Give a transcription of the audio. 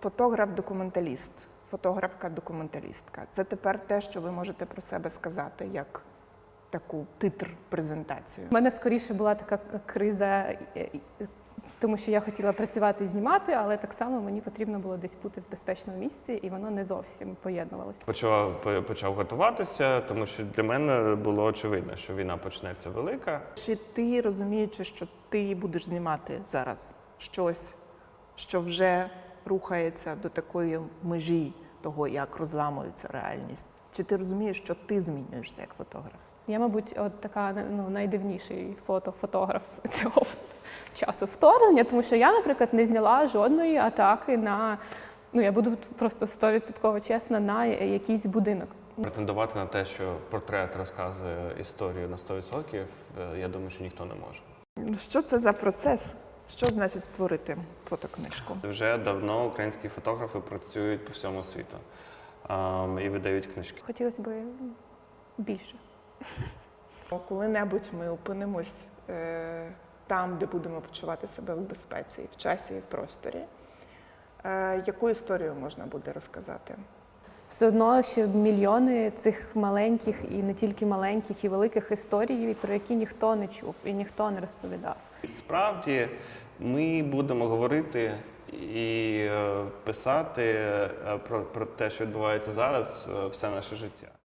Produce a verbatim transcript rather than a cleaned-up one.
Фотограф-документаліст, фотографка-документалістка. Це тепер те, що ви можете про себе сказати, як таку титр-презентацію. У мене скоріше була така криза, тому що я хотіла працювати і знімати, але так само мені потрібно було десь бути в безпечному місці, і воно не зовсім поєднувалося. Почав, почав готуватися, тому що для мене було очевидно, що війна почнеться велика. Чи ти, розуміючи, що ти будеш знімати зараз щось, що вже рухається до такої межі того, як розламується реальність, чи ти розумієш, що ти змінюєшся як фотограф? Я, мабуть, от така ну, найдивніший фото-фотограф цього часу вторгнення, тому що я, наприклад, не зняла жодної атаки на, ну я буду просто сто відсотків чесна, на якийсь будинок. Претендувати на те, що портрет розказує історію на сто відсотків, я думаю, що ніхто не може. Що це за процес? Що значить створити фотокнижку? Вже давно українські фотографи працюють по всьому світу um, і видають книжки. Хотілося б більше. Коли-небудь ми опинимось е, там, де будемо почувати себе в безпеці, і в часі, і в просторі. Е, яку історію можна буде розказати? Все одно ще мільйони цих маленьких і не тільки маленьких, і великих історій, про які ніхто не чув і ніхто не розповідав. Справді, ми будемо говорити і писати про, про те, що відбувається зараз, все наше життя.